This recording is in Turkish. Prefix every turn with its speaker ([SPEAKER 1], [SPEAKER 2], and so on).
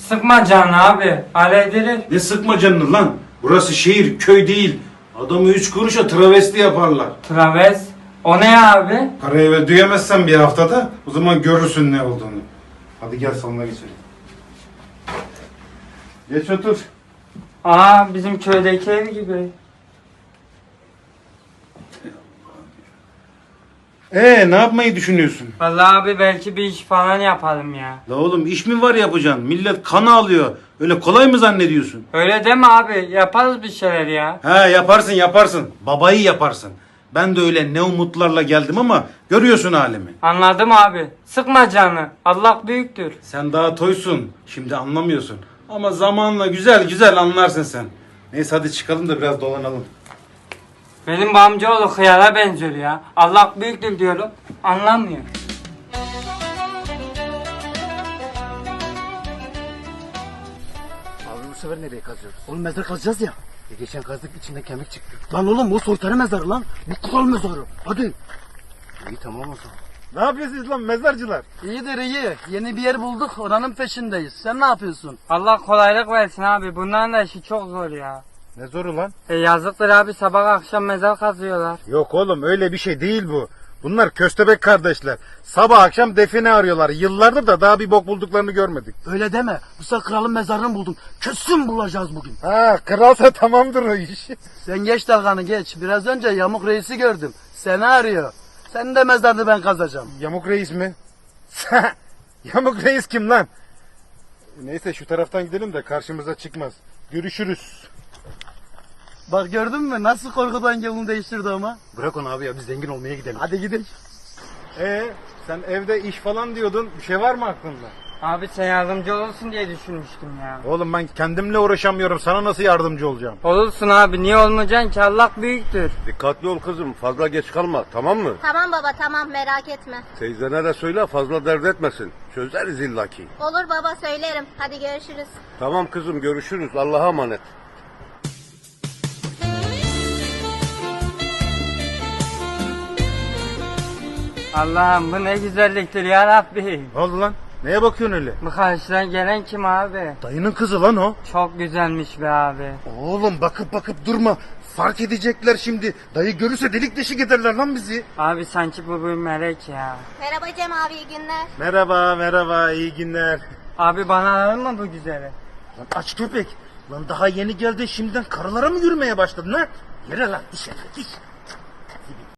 [SPEAKER 1] Sıkma canını abi. Hallederiz.
[SPEAKER 2] Ne sıkma canını lan? Burası şehir, köy değil. Adamı 3 kuruşa travesti yaparlar.
[SPEAKER 1] Traves. O ne abi?
[SPEAKER 2] Parayı ödeyemezsen bir haftada o zaman görürsün ne olduğunu. Hadi gel salona geçelim. Geç otur.
[SPEAKER 1] Aa, bizim köydeki ev gibi.
[SPEAKER 2] Ne yapmayı düşünüyorsun?
[SPEAKER 1] Vallahi abi belki bir iş falan yapalım ya.
[SPEAKER 2] La oğlum iş mi var yapacaksın? Millet kanı alıyor. Öyle kolay mı zannediyorsun?
[SPEAKER 1] Öyle deme abi. Yaparız bir şeyler ya.
[SPEAKER 2] He yaparsın. Babayı yaparsın. Ben de öyle ne umutlarla geldim ama görüyorsun halimi.
[SPEAKER 1] Anladım abi. Sıkma canını. Allah büyüktür.
[SPEAKER 2] Sen daha toysun. Şimdi anlamıyorsun. Ama zamanla güzel güzel anlarsın sen. Neyse hadi çıkalım da biraz dolanalım.
[SPEAKER 1] Benim bu amcaoğlu hıyara benziyor ya. Allah büyüktür diyorum. Anlamıyor.
[SPEAKER 3] Abi bu sefer nereye kazıyoruz? Oğlum mezar kazacağız ya. Geçen kazdık içinden kemik çıktı. Lan oğlum bu soytarı mezarı lan. Bu kral mezarı. Hadi. İyi tamam o zaman.
[SPEAKER 2] Ne yapıyorsunuz lan mezarcılar?
[SPEAKER 3] İyidir iyi. Yeni bir yer bulduk. Oranın peşindeyiz. Sen ne yapıyorsun?
[SPEAKER 1] Allah kolaylık versin abi. Bunların da işi çok zor ya.
[SPEAKER 2] Ne zoru lan?
[SPEAKER 1] Yazıktır abi, sabah akşam mezar kazıyorlar.
[SPEAKER 2] Yok oğlum öyle bir şey değil bu. Bunlar köstebek kardeşler. Sabah akşam define arıyorlar. Yıllardır da daha bir bok bulduklarını görmedik.
[SPEAKER 3] Öyle deme. Bu sefer kralın mezarını buldum. Kesin bulacağız bugün.
[SPEAKER 2] Ha kralsa tamamdır o iş.
[SPEAKER 3] Sen geç dalganı geç. Biraz önce Yamuk Reis'i gördüm. Seni arıyor. Senin de mezarını ben kazacağım.
[SPEAKER 2] Yamuk reis mi? Yamuk reis kim lan? Neyse şu taraftan gidelim de karşımıza çıkmaz. Görüşürüz.
[SPEAKER 3] Bak gördün mü nasıl korkudan yolunu değiştirdi ama. Bırak onu abi ya biz zengin olmaya gidelim. Hadi gidelim.
[SPEAKER 2] Sen evde iş falan diyordun. Bir şey var mı aklında?
[SPEAKER 1] Abi sen yardımcı olursun diye düşünmüştüm ya.
[SPEAKER 2] Oğlum ben kendimle uğraşamıyorum. Sana nasıl yardımcı olacağım?
[SPEAKER 1] Olursun abi, niye olmayacaksın ki, Allah büyüktür.
[SPEAKER 4] Dikkatli ol kızım, fazla geç kalma, tamam mı?
[SPEAKER 5] Tamam baba tamam merak etme.
[SPEAKER 4] Teyzene de söyle, fazla dert etmesin. Çözeriz illaki.
[SPEAKER 5] Olur baba söylerim. Hadi görüşürüz.
[SPEAKER 4] Tamam kızım, görüşürüz. Allah'a emanet.
[SPEAKER 1] Allah'ım bu ne güzelliktir ya Rabbi.
[SPEAKER 2] Ne oldu lan? Neye bakıyorsun öyle?
[SPEAKER 1] Bu karşıdan gelen kim abi?
[SPEAKER 2] Dayının kızı lan o.
[SPEAKER 1] Çok güzelmiş be abi.
[SPEAKER 2] Oğlum bakıp durma. Fark edecekler şimdi. Dayı görürse delik deşik ederler lan bizi.
[SPEAKER 1] Abi sanki bu bir melek ya.
[SPEAKER 5] Merhaba Cem abi iyi günler.
[SPEAKER 2] Merhaba iyi günler.
[SPEAKER 1] Abi bana alır mı bu güzeli?
[SPEAKER 2] Lan aç köpek. Lan daha yeni geldi şimdiden karılara mı yürümeye başladın ha? Yere lan iş.